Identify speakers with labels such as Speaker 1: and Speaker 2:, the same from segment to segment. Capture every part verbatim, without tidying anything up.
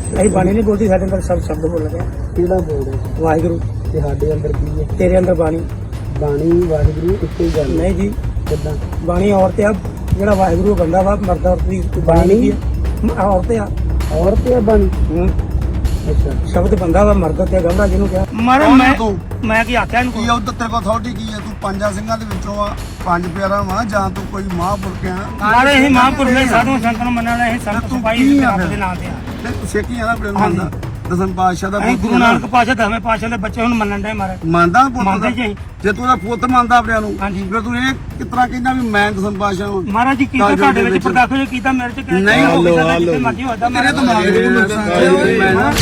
Speaker 1: ਅਸੀਂ ਬਾਣੀ ਨਹੀਂ ਬੋਲਦੀ, ਸਾਡੇ ਅੰਦਰ ਸਭ ਸ਼ਬਦ ਬੋਲ ਰਿਹਾ।
Speaker 2: ਕਿਹੜਾ ਬੋਲਦੇ
Speaker 1: ਵਾਹਿਗੁਰੂ।
Speaker 2: ਤੇ ਸਾਡੇ ਅੰਦਰ ਕੀ ਹੈ?
Speaker 1: ਤੇਰੇ ਅੰਦਰ ਬਾਣੀ।
Speaker 2: ਬਾਣੀ ਵਾਹਿਗੁਰੂ ਇੱਕੋ ਹੀ ਗੱਲ
Speaker 1: ਨਹੀਂ ਜੀ,
Speaker 2: ਕਿੱਦਾਂ?
Speaker 1: ਬਾਣੀ ਔਰਤ ਆ, ਜਿਹੜਾ ਵਾਹਿਗੁਰੂ ਬੰਦਾ ਵਾ ਮਰਦਾ ਔਰਤ ਦੀ ਬਾਣੀ ਕੀ ਆ? ਔਰਤ ਆ।
Speaker 2: ਔਰਤ ਆ ਬਾਣੀ?
Speaker 1: ਹੂੰ।
Speaker 2: ਅੱਛਾ,
Speaker 1: ਸ਼ਬਦ ਬੰਦਾ ਵਾ ਮਰਦਾ ਤੇ ਗਮਰਾ ਜਿਹਨੂੰ ਕਿਹਾ ਮਾਰੇ। ਮੈਂ ਮੈਂ ਕੀ ਆਖਿਆ ਇਹਨੂੰ?
Speaker 3: ਕੀ ਉਧਰ ਤੇਰੇ ਕੋਲ ਅਥਾਰਟੀ ਕੀ ਹੈ? ਤੂੰ ਪੰਜਾਂ ਸਿੰਘਾਂ ਦੇ ਵਿੱਚੋਂ ਆ, ਪੰਜ ਪਿਆਰਾ ਵਾ, ਜਾਂ ਤੂੰ ਕੋਈ ਮਹਾਂਪੁਰਖ ਆ?
Speaker 1: ਮਾਰੇ ਅਸੀਂ ਮਹਾਂਪੁਰਖ ਨੇ, ਸਾਧੂ ਸੰਤਾਂ ਨੂੰ ਮੰਨਣ ਵਾਲੇ ਅਸੀਂ ਸੰਤ ਸਿਪਾਹੀ ਰੱਬ ਦੇ ਨਾਂ ਤੇ ਆ।
Speaker 3: ਤੇ ਤੂੰ ਸਿੱਖੀ ਆ ਨਾ ਆਪਣੇ ਨੂੰ ਮੰਨਦਾ? ਦਸਮ ਪਾਤਸ਼ਾਹ ਦਾ
Speaker 1: ਅਸੀਂ ਗੁਰੂ ਨਾਨਕ ਪਾਤਸ਼ਾਹ ਦਸਵੇਂ ਪਾਤਸ਼ਾਹ ਦੇ ਬੱਚੇ ਹੁਣ ਮੰਨਣ ਦੇ ਮਾਰੇ।
Speaker 3: ਮੰਨਦਾ ਪੁੱਤ
Speaker 1: ਮੰਨਦੇ
Speaker 3: ਦਾ?
Speaker 1: ਜੀ।
Speaker 3: ਜੇ ਤੂੰ ਉਹਦਾ ਪੁੱਤ ਮੰਨਦਾ ਆਪਣਿਆਂ ਨੂੰ,
Speaker 1: ਹਾਂਜੀ।
Speaker 3: ਫਿਰ ਤੂੰ ਇਹ ਕਿਸ ਤਰ੍ਹਾਂ ਕਹਿੰਦਾ ਵੀ ਮੈਂ ਦਸਮ ਪਾਤਸ਼ਾਹ ਹਾਂ?
Speaker 1: ਮਹਾਰਾਜ ਜੀ ਕੀਤਾ ਤੁਹਾਡੇ ਵਿੱਚ ਪਰਦਾਖੋ ਜੋ ਕੀਤਾ ਮੇਰੇ ਚ ਕਿਹਾ
Speaker 3: ਨਹੀਂ,
Speaker 1: ਹਲੋ ਹਲੋ ਮਰਜੀ ਹੋਦਾ
Speaker 3: ਤੇਰੇ ਦਿਮਾਗ ਦੇ ਵਿੱਚ ਨੁਕਸਾਨ ਹੈ। ਮੈਂ ਨਾ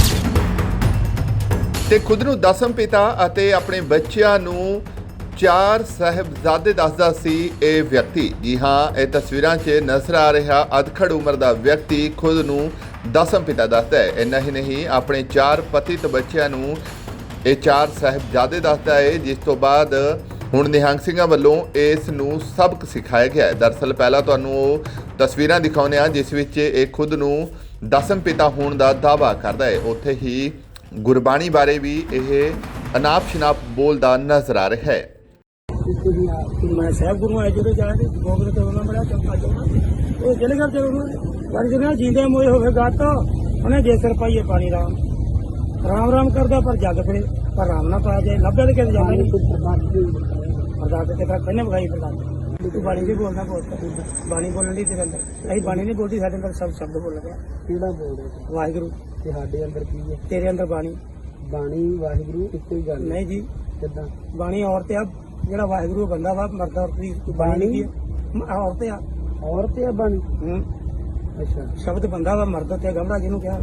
Speaker 4: ਤੇ ਖੁਦ ਨੂੰ ਦਸਮ ਪਿਤਾ ਅਤੇ ਆਪਣੇ ਬੱਚਿਆਂ ਨੂੰ ਚਾਰ ਸਾਹਿਬਜ਼ਾਦੇ ਦੱਸਦਾ ਸੀ ਇਹ ਵਿਅਕਤੀ। ਜੀ ਹਾਂ, ਇਹ ਤਸਵੀਰਾਂ 'ਚ ਨਜ਼ਰ ਆ ਰਿਹਾ ਅਧਖੜ ਉਮਰ ਦਾ ਵਿਅਕਤੀ ਖੁਦ ਨੂੰ ਦਸਮ ਪਿਤਾ ਦੱਸਦਾ ਹੈ। ਇੰਨਾ ਹੀ ਨਹੀਂ, ਆਪਣੇ ਚਾਰ ਪਤਿਤ ਬੱਚਿਆਂ ਨੂੰ ਇਹ ਚਾਰ ਸਾਹਿਬਜ਼ਾਦੇ ਦੱਸਦਾ ਹੈ, ਜਿਸ ਤੋਂ ਬਾਅਦ ਹੁਣ ਨਿਹੰਗ ਸਿੰਘਾਂ ਵੱਲੋਂ ਇਸ ਨੂੰ ਸਬਕ ਸਿਖਾਇਆ ਗਿਆ ਹੈ। ਦਰਅਸਲ ਪਹਿਲਾਂ ਤੁਹਾਨੂੰ ਉਹ ਤਸਵੀਰਾਂ ਦਿਖਾਉਂਦੇ ਹਾਂ ਜਿਸ ਵਿੱਚ ਇਹ ਖੁਦ ਨੂੰ ਦਸਮ ਪਿਤਾ ਹੋਣ ਦਾ ਦਾਅਵਾ ਕਰਦਾ ਹੈ। ਉੱਥੇ ਹੀ ਗੁਰਬਾਣੀ ਬਾਰੇ ਵੀ ਇਹ ਅਨਾਪ ਸ਼ਨਾਪ ਬੋਲਦਾ ਨਜ਼ਰ ਆ ਰਿਹਾ ਹੈ।
Speaker 1: ਮੈਂ ਸਾਹਿਬ ਗੁਰੂ ਆਏ ਜਿਹੜੇ ਜਾ ਕੇ ਗੋਬਰ ਤੇ ਉਹਨਾਂ ਬੜਾ ਚੌਕਾ ਚੌਕਾ ਉਹ ਜਿਹੜੇ ਘਰ ਚਲੋ ਪਰ ਜਿਹਨਾਂ ਜੀਂਦੇ ਮੋਏ ਹੋਵੇ ਗੱਤ ਉਹਨੇ ਜੇ ਸਿਰ ਪਾਈਏ ਪਾਣੀ ਰਾਮ ਰਾਮ ਰਾਮ ਕਰਦਾ ਪਰ ਜੱਗ ਪੜੇ ਪਰ ਰਾਮ ਨਾ ਪਾਇਆ ਜਾਏ ਲੱਭੇ ਤੇ ਕਿਤੇ ਜਾਂਦਾ ਨਹੀਂ। ਅਰਦਾਸ ਤੇ ਤਾਂ ਕਹਿੰਨੇ ਬਗਾਈ ਪ੍ਰਦਾਨ ਤੂੰ ਬਾਣੀ ਵੀ ਬੋਲਦਾ ਬਹੁਤ ਬਾਣੀ ਬੋਲਣ ਦੀ ਤੇਰੇ ਅੰਦਰ ਅਸੀਂ ਬਾਣੀ ਨਹੀਂ ਬੋਲਦੀ, ਸਾਡੇ ਅੰਦਰ ਸਭ ਸ਼ਬਦ ਬੋਲ ਰਿਹਾ।
Speaker 2: ਕਿਹੜਾ ਬੋਲਦੇ?
Speaker 1: ਵਾਹਿਗੁਰੂ।
Speaker 2: ਤੇ ਸਾਡੇ ਅੰਦਰ ਕੀ ਹੈ?
Speaker 1: ਤੇਰੇ ਅੰਦਰ ਬਾਣੀ।
Speaker 2: ਬਾਣੀ ਵਾਹਿਗੁਰੂ ਇੱਕੋ ਹੀ ਗੱਲ
Speaker 1: ਨਹੀਂ ਜੀ,
Speaker 2: ਕਿੱਦਾਂ?
Speaker 1: ਬਾਣੀ ਔਰਤ ਆ, ਜਿਹੜਾ ਵਾਹਿਗੁਰੂ ਬੰਦਾ ਵਾ ਮਰਦਾ ਔਰਤ ਦੀ ਬਾਣੀ ਕੀ ਆ? ਔਰਤ ਆ।
Speaker 2: ਔਰਤ ਆ ਬਾਣੀ?
Speaker 1: ਹੂੰ।
Speaker 2: ਅੱਛਾ,
Speaker 1: ਸ਼ਬਦ ਬੰਦਾ ਵਾ ਮਰਦਾ ਤੇ ਗਮਰਾ ਜਿਹਨੂੰ ਕਿਹਾ।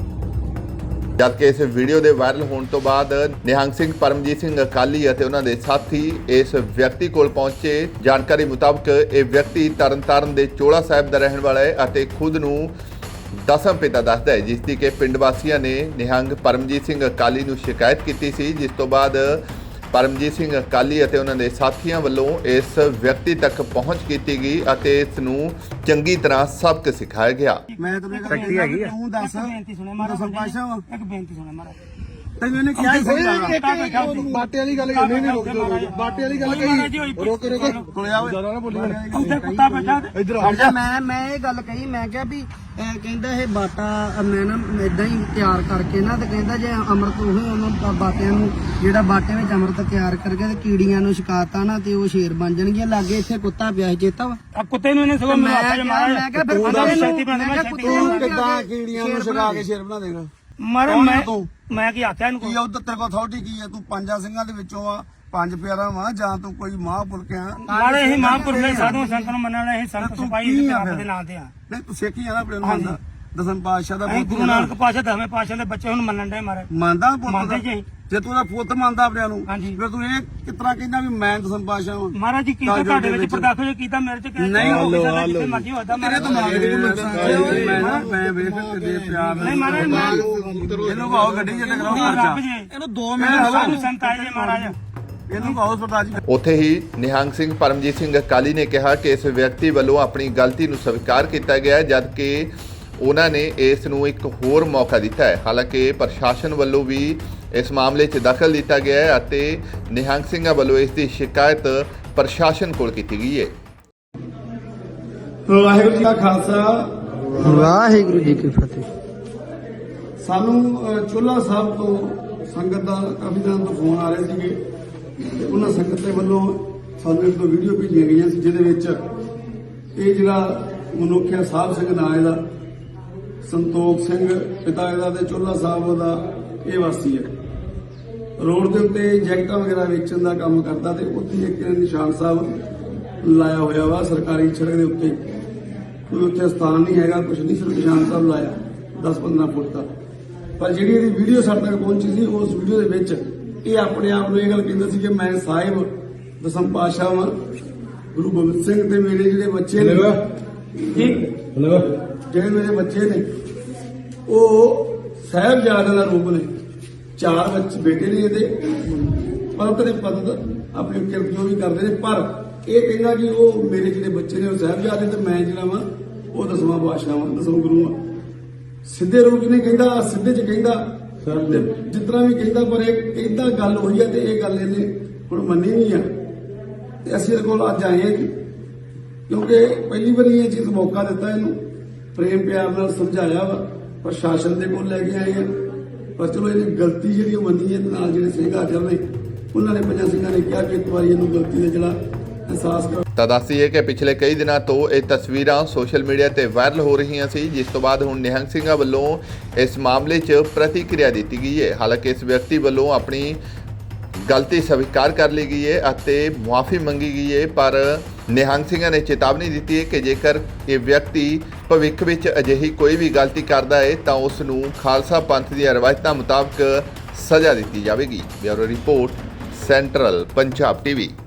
Speaker 4: ਜਦਕਿ ਇਸ ਵੀਡੀਓ ਦੇ ਵਾਇਰਲ ਹੋਣ ਤੋਂ ਬਾਅਦ ਨਿਹੰਗ ਸਿੰਘ ਪਰਮਜੀਤ ਸਿੰਘ ਅਕਾਲੀ ਅਤੇ ਉਹਨਾਂ ਦੇ ਸਾਥੀ ਇਸ ਵਿਅਕਤੀ ਕੋਲ ਪਹੁੰਚੇ। ਜਾਣਕਾਰੀ ਮੁਤਾਬਕ ਇਹ ਵਿਅਕਤੀ ਤਰਨਤਾਰਨ ਦੇ ਚੋਲਾ ਸਾਹਿਬ ਦਾ ਰਹਿਣ ਵਾਲਾ ਹੈ ਅਤੇ ਖੁਦ ਨੂੰ ਦਸਮ ਪਿਤਾ ਦੱਸਦਾ ਹੈ, ਜਿਸ ਦੀ ਕਿ ਪਿੰਡ ਵਾਸੀਆਂ ਨੇ ਨਿਹੰਗ ਪਰਮਜੀਤ ਸਿੰਘ ਅਕਾਲੀ ਨੂੰ ਸ਼ਿਕਾਇਤ ਕੀਤੀ ਸੀ, ਜਿਸ ਤੋਂ ਬਾਅਦ ਪਰਮਜੀਤ ਸਿੰਘ ਅਕਾਲੀ ਅਤੇ ਉਹਨਾਂ ਦੇ ਸਾਥੀਆਂ ਵੱਲੋਂ ਇਸ ਵਿਅਕਤੀ ਤੱਕ ਪਹੁੰਚ ਕੀਤੀ ਗਈ ਅਤੇ ਇਸ ਨੂੰ ਚੰਗੀ ਤਰ੍ਹਾਂ ਸਬਕ ਸਿਖਾਇਆ ਗਿਆ।
Speaker 3: ਮੈਂ ਤੈਨੂੰ ਇੱਕ
Speaker 1: ਸ਼ਕਤੀ ਹੈਗੀ ਆ।
Speaker 3: ਤੂੰ ਦੱਸ,
Speaker 1: ਬੇਨਤੀ ਸੁਣੇ ਮਹਾਰਾਜ,
Speaker 3: ਦਸਮ ਪਾਤਸ਼ਾਹ ਵਾ?
Speaker 1: ਇੱਕ ਬੇਨਤੀ ਸੁਣੇ ਮਹਾਰਾਜ।
Speaker 3: ਤੈਨੂੰ ਇਹਨੇ ਕਿਹਾ ਹੀ ਸਹੀ
Speaker 2: ਬਾਟੇ ਵਾਲੀ ਗੱਲ ਨਹੀਂ ਨਹੀਂ ਰੁਕ ਬਾਟੇ ਵਾਲੀ ਗੱਲ ਕਹੀ ਰੁਕ ਰੁਕ
Speaker 3: ਸੁਣਿਆ ਓਏ?
Speaker 2: ਜ਼ਿਆਦਾ ਨਾ ਬੋਲੀ।
Speaker 1: ਉੱਥੇ ਕੁੱਤਾ ਬੈਠਾ ਤੇ
Speaker 2: ਇੱਧਰ
Speaker 5: ਅੱਛਾ, ਮੈਂ ਮੈਂ ਇਹ ਗੱਲ ਕਹੀ, ਮੈਂ ਕਿਹਾ ਵੀ ਇਹ ਕਹਿੰਦਾ ਇਹ ਬਾਟਾ ਮੈਂ ਨਾ ਇਦਾਂ ਹੀ ਤਿਆਰ ਕਰਕੇ ਨਾ ਤੇ ਕਹਿੰਦਾ ਜੇ ਅੰਮ੍ਰਿਤ ਉਹ ਉਹਨਾਂ ਬਾਟਿਆਂ ਨੂੰ ਜਿਹੜਾ ਬਾਟੇ ਵਿੱਚ ਅੰਮ੍ਰਿਤ ਤਿਆਰ ਕਰਕੇ ਤੇ ਕੀੜੀਆਂ ਨੂੰ ਛਕਾਤਾ ਨਾ ਤੇ ਉਹ ਸ਼ੇਰ ਬਣ ਜਾਣਗੇ। ਲਾਗੇ ਇੱਥੇ ਕੁੱਤਾ ਪਿਆ ਸੀ, ਚੇਤਾ ਵਾ?
Speaker 1: ਆ ਕੁੱਤੇ ਨੂੰ ਇਹਨੇ ਸਗੋਂ
Speaker 5: ਮੈਂ
Speaker 1: ਮੈਨੂੰ ਆਖਿਆ
Speaker 5: ਕਿਹਾ ਮੈਂ ਕਿਹਾ ਫਿਰ
Speaker 1: ਉਹਦਾ
Speaker 5: ਕੁੱਤੇ
Speaker 1: ਸ਼ਕਤੀ
Speaker 5: ਨੂੰ
Speaker 1: ਬਣਾ
Speaker 5: ਮੈਂ
Speaker 1: ਮੈਂ
Speaker 5: ਕਿਹਾ
Speaker 1: ਸ਼ਕਤੀ
Speaker 5: ਕੁੱਤੇ ਨੂੰ
Speaker 3: ਕਿੱਦਾਂ ਕੀੜੀਆਂ ਨੂੰ ਛਡਾ ਕੇ ਸ਼ੇਰ ਬਣਾ ਦੇਗਾ?
Speaker 1: ਮਾਰੇ।
Speaker 3: ਕੌਣ
Speaker 1: ਮੈਂ
Speaker 3: ਤੂੰ?
Speaker 1: ਮੈਂ ਕੀ ਆਖਿਆ ਇਹਨੂੰ?
Speaker 3: ਕੀ ਉਧਰ ਤੇਰੇ ਕੋਲ ਅਥਾਰਟੀ ਕੀ ਹੈ? ਤੂੰ ਪੰਜਾਂ ਸਿੰਘਾਂ ਦੇ ਵਿੱਚੋਂ ਆ, ਪੰਜ ਪਿਆਰਾ ਵਾ, ਜਾਂ ਤੂੰ ਕੋਈ ਮਹਾਂਪੁਰਖ ਆ?
Speaker 1: ਮਾਰੇ ਅਸੀਂ ਮਹਾਂਪੁਰਖ ਨੇ, ਸਾਧੂ ਸੰਤਾਂ ਨੂੰ ਮੰਨਣ ਵਾਲੇ ਅਸੀਂ ਸੰਤ
Speaker 3: ਤੂੰ
Speaker 1: ਸਿਪਾਹੀ
Speaker 3: ਕੀ ਆ
Speaker 1: ਰੱਬ
Speaker 3: ਫਿਰ?
Speaker 1: ਦੇ ਨਾਂ ਤੇ ਆ।
Speaker 3: ਨਹੀਂ, ਤੂੰ ਸਿੱਖੀ ਆ ਨਾ ਆਪਣੇ ਨੂੰ ਮੰਨਦਾ? ਦਸਮ ਪਾਤਸ਼ਾਹ ਦਾ
Speaker 1: ਅਸੀਂ
Speaker 3: ਪੁੱਤ
Speaker 1: ਗੁਰੂ ਨਾਨਕ ਪਾਤਸ਼ਾਹ ਦਸਵੇਂ ਪਾਤਸ਼ਾਹ ਦੇ ਬੱਚੇ ਹੁਣ ਮੰਨਣ ਦੇ ਮਾਰੇ।
Speaker 3: ਮੰਨਦਾ ਪੁੱਤ
Speaker 1: ਮੰਨਦੇ
Speaker 3: ਦਾ?
Speaker 1: ਜੀ।
Speaker 3: ਜੇ ਤੂੰ ਉਹਦਾ ਪੁੱਤ ਮੰਨਦਾ ਆਪਣਿਆਂ ਨੂੰ,
Speaker 1: ਹਾਂਜੀ।
Speaker 3: ਫਿਰ ਤੂੰ ਇਹ ਕਿਸ ਤਰ੍ਹਾਂ ਕਹਿੰਦਾ ਵੀ ਮੈਂ ਦਸਮ ਪਾਤਸ਼ਾਹ ਹਾਂ?
Speaker 1: ਮਹਾਰਾਜ ਜੀ ਕੀਤਾ ਤੁਹਾਡੇ ਵਿੱਚ ਪਰਦਾਖੋ ਜੋ ਕੀਤਾ ਮੇਰੇ ਚ ਕਿਹਾ
Speaker 3: ਨਹੀਂ,
Speaker 1: ਜਿੱਥੇ ਮਰਜੀ ਹੋਦਾ
Speaker 3: ਤੇਰੇ ਦਿਮਾਗ ਦੇ ਵਿੱਚ ਨੁਕਸਾਨ ਹੈ। ਮੈਂ ਨਾ ਮੈਂ ਵੇਖ ਤੇ ਪਿਆਰ
Speaker 1: ਨਹੀਂ ਮਹਾਰਾਜ ਮੈਂ
Speaker 3: ਇਹਨੂੰ ਕਹੋ ਗੱਡੀ ਚ ਟਕਰਾਓ
Speaker 1: ਰੱਬ
Speaker 3: ਪਰਚਾ।
Speaker 1: ਜੀ
Speaker 3: ਇਹਨੂੰ ਦੋ ਮਿੰਟ
Speaker 1: ਸਾਧੂ ਸੰਤ ਆਏ ਜੀ ਮਹਾਰਾਜ।
Speaker 3: ਇਹਨੂੰ ਕਹੋ ਸਰਦਾਰ ਜੀ।
Speaker 4: ਉੱਥੇ ਹੀ ਨਿਹੰਗ ਸਿੰਘ ਪਰਮਜੀਤ ਸਿੰਘ ਅਕਾਲੀ ਨੇ ਕਿਹਾ ਕਿ ਇਸ ਵਿਅਕਤੀ ਵੱਲੋਂ ਆਪਣੀ ਗਲਤੀ ਨੂੰ ਸਵੀਕਾਰ ਕੀਤਾ ਗਿਆ ਹੈ, ਜਦਕਿ ਉਹਨਾਂ ਨੇ ਇਸ ਨੂੰ ਇੱਕ ਹੋਰ ਮੌਕਾ ਦਿੱਤਾ ਹੈ। ਹਾਲਾਂਕਿ ਪ੍ਰਸ਼ਾਸਨ ਵੱਲੋਂ ਵੀ ਇਸ ਮਾਮਲੇ 'ਚ ਦਖਲ ਦਿੱਤਾ ਗਿਆ ਹੈ ਅਤੇ ਨਿਹੰਗ ਸਿੰਘਾਂ ਵੱਲੋਂ ਇਸ ਦੀ ਸ਼ਿਕਾਇਤ ਪ੍ਰਸ਼ਾਸਨ ਕੋਲ ਕੀਤੀ ਗਈ ਹੈ।
Speaker 3: ਵਾਹਿਗੁਰੂ ਜੀ ਦਾ ਖਾਲਸਾ,
Speaker 2: ਵਾਹਿਗੁਰੂ ਜੀ ਕੀ ਫਤਿਹ।
Speaker 3: ਸਾਨੂੰ ਚੋਲਾ ਸਾਹਿਬ ਤੋਂ ਸੰਗਤ ਦਾ ਕਾਫੀ ਦਿਨਾਂ ਤੋਂ ਫੋਨ ਆ ਰਹੇ ਸੀਗੇ ਤੇ ਉਹਨਾਂ ਸੰਗਤ ਦੇ ਵੱਲੋਂ ਸਾਨੂੰ ਇੱਕ ਦੋ ਵੀਡੀਓ ਭੇਜੀਆਂ ਗਈਆਂ ਸੀ, ਜਿਹਦੇ ਵਿੱਚ ਇਹ ਜਿਹੜਾ ਮਨੁੱਖ ਹੈ ਸਾਹਿਬ ਸਿੰਘ ਨਾਂ ਇਹਦਾ, ਸੰਤੋਖ ਸਿੰਘ ਪਿਤਾ ਇਹਦਾ ਤੇ ਚੋਲਾ ਸਾਹਿਬ ਦਾ ਇਹ ਵਾਸੀ ਹੈ। ਰੋਡ ਦੇ ਉੱਤੇ ਜੈਕਟਾਂ ਵਗੈਰਾ ਵੇਚਣ ਦਾ ਕੰਮ ਕਰਦਾ ਤੇ ਉੱਥੇ ਇੱਕ ਨਿਸ਼ਾਨ ਸਾਹਿਬ ਲਾਇਆ ਹੋਇਆ ਵਾ ਸਰਕਾਰੀ ਸੜਕ ਦੇ ਉੱਤੇ। ਕੋਈ ਉੱਥੇ ਸਥਾਨ ਨਹੀਂ ਹੈਗਾ, ਕੁਝ ਨਹੀਂ, ਸਿਰਫ ਨਿਸ਼ਾਨ ਸਾਹਿਬ ਲਾਇਆ ਦਸ ਪੰਦਰਾਂ ਫੁੱਟ ਦਾ। ਪਰ ਜਿਹੜੀ ਇਹਦੀ ਵੀਡੀਓ ਸਾਡੇ ਤੱਕ ਪਹੁੰਚੀ ਸੀ, ਉਸ ਵੀਡੀਓ ਦੇ ਵਿੱਚ ਇਹ ਆਪਣੇ ਆਪ ਨੂੰ ਇਹ ਗੱਲ ਕਹਿੰਦਾ ਸੀ ਕਿ ਮੈਂ ਸਾਹਿਬ ਦਸਮ ਪਾਤਸ਼ਾਹ ਵਾਂ, ਗੁਰੂ ਗੋਬਿੰਦ ਸਿੰਘ ਤੇ ਮੇਰੇ ਜਿਹੜੇ ਬੱਚੇ ਨੇ ਜੀ ਜਿਹੜੇ ਮੇਰੇ ਬੱਚੇ ਨੇ ਉਹ ਸਾਹਿਬਜ਼ਾਦਿਆਂ ਦਾ ਰੂਪ ਨੇ। ਚਾਰ ਬੱਚੇ ਬੇਟੇ ਨੇ ਇਹਦੇ, ਪਰਤ ਨੇ ਪਤਤ ਆਪਣੀ ਕਿਰਤ ਜੋ ਵੀ ਕਰਦੇ ਨੇ, ਪਰ ਇਹ ਕਹਿੰਦਾ ਕਿ ਉਹ ਮੇਰੇ ਜਿਹੜੇ ਬੱਚੇ ਨੇ ਉਹ ਸਾਹਿਬਜ਼ਾਦੇ ਤੇ ਮੈਂ ਜਿਹੜਾ ਵਾਂ ਉਹ ਦਸਵਾਂ ਪਾਤਸ਼ਾਹ ਵਾਂ, ਦਸਮ ਗੁਰੂ ਵਾਂ। ਸਿੱਧੇ ਰੂਪ 'ਚ ਨਹੀਂ ਕਹਿੰਦਾ, ਸਿੱਧੇ 'ਚ ਕਹਿੰਦਾ ਤੇ ਜਿਸ ਤਰ੍ਹਾਂ ਵੀ ਕਹਿੰਦਾ, ਪਰ ਇਹ ਏਦਾਂ ਗੱਲ ਹੋਈ ਆ ਤੇ ਇਹ ਗੱਲ ਇਹਨੇ ਹੁਣ ਮੰਨੀ ਨਹੀਂ ਆ ਤੇ ਅਸੀਂ ਇਹਦੇ ਕੋਲ ਅੱਜ ਆਏ ਆ ਜੀ, ਕਿਉਂਕਿ ਪਹਿਲੀ ਵਾਰੀ ਇਹ ਚੀਜ਼ ਮੌਕਾ ਦਿੱਤਾ ਇਹਨੂੰ, ਪ੍ਰੇਮ ਪਿਆਰ ਨਾਲ ਸਮਝਾਇਆ ਵਾ, ਪ੍ਰਸ਼ਾਸਨ ਦੇ ਕੋਲ ਲੈ ਕੇ ਆਏ ਆ, ਪਰ ਚਲੋ ਇਹਨੇ ਗਲਤੀ ਜਿਹੜੀ ਉਹ ਮੰਨੀ ਹੈ ਤੇ ਨਾਲ ਜਿਹੜੇ ਸਿੰਘ ਹਾਜ਼ਰ ਨੇ ਉਹਨਾਂ ਨੇ ਪੰਜਾਂ ਸਿੰਘਾਂ ਨੇ ਕਿਹਾ ਕਿ ਇੱਕ ਵਾਰੀ ਇਹਨੂੰ ਗਲਤੀ ਦਾ ਜਿਹੜਾ ਅਹਿਸਾਸ ਕਰ।
Speaker 4: ਤਾਂ ਦੱਸੀਏ ਕਿ ਪਿਛਲੇ ਕਈ ਦਿਨਾਂ ਤੋਂ ਇਹ ਤਸਵੀਰਾਂ ਸੋਸ਼ਲ ਮੀਡੀਆ ਤੇ ਵਾਇਰਲ ਹੋ ਰਹੀਆਂ ਸੀ, ਜਿਸ ਤੋਂ ਬਾਅਦ ਹੁਣ ਨਿਹੰਗ ਸਿੰਘਾਂ ਵੱਲੋਂ ਇਸ ਮਾਮਲੇ 'ਚ ਪ੍ਰਤੀਕਿਰਿਆ ਦਿੱਤੀ ਗਈ ਹੈ। ਹਾਲਾਂਕਿ ਇਸ ਵਿਅਕਤੀ ਵੱਲੋਂ ਆਪਣੀ ਗਲਤੀ ਸਵੀਕਾਰ ਕਰ ਲਈ ਗਈ ਹੈ ਅਤੇ ਮੁਆਫੀ ਮੰਗੀ ਗਈ ਹੈ, ਪਰ ਨਿਹੰਗ ਸਿੰਘਾਂ ਨੇ ਚੇਤਾਵਨੀ ਦਿੱਤੀ ਹੈ ਕਿ ਜੇਕਰ ਇਹ ਵਿਅਕਤੀ ਭਵਿੱਖ ਵਿੱਚ ਅਜਿਹੀ ਕੋਈ ਵੀ ਗਲਤੀ ਕਰਦਾ ਹੈ ਤਾਂ ਉਸ ਨੂੰ ਖਾਲਸਾ ਪੰਥ ਦੀਆਂ ਰਵਾਇਤਾਂ ਮੁਤਾਬਕ ਸਜ਼ਾ ਦਿੱਤੀ ਜਾਵੇਗੀ। Bureau report, central Punjab TV.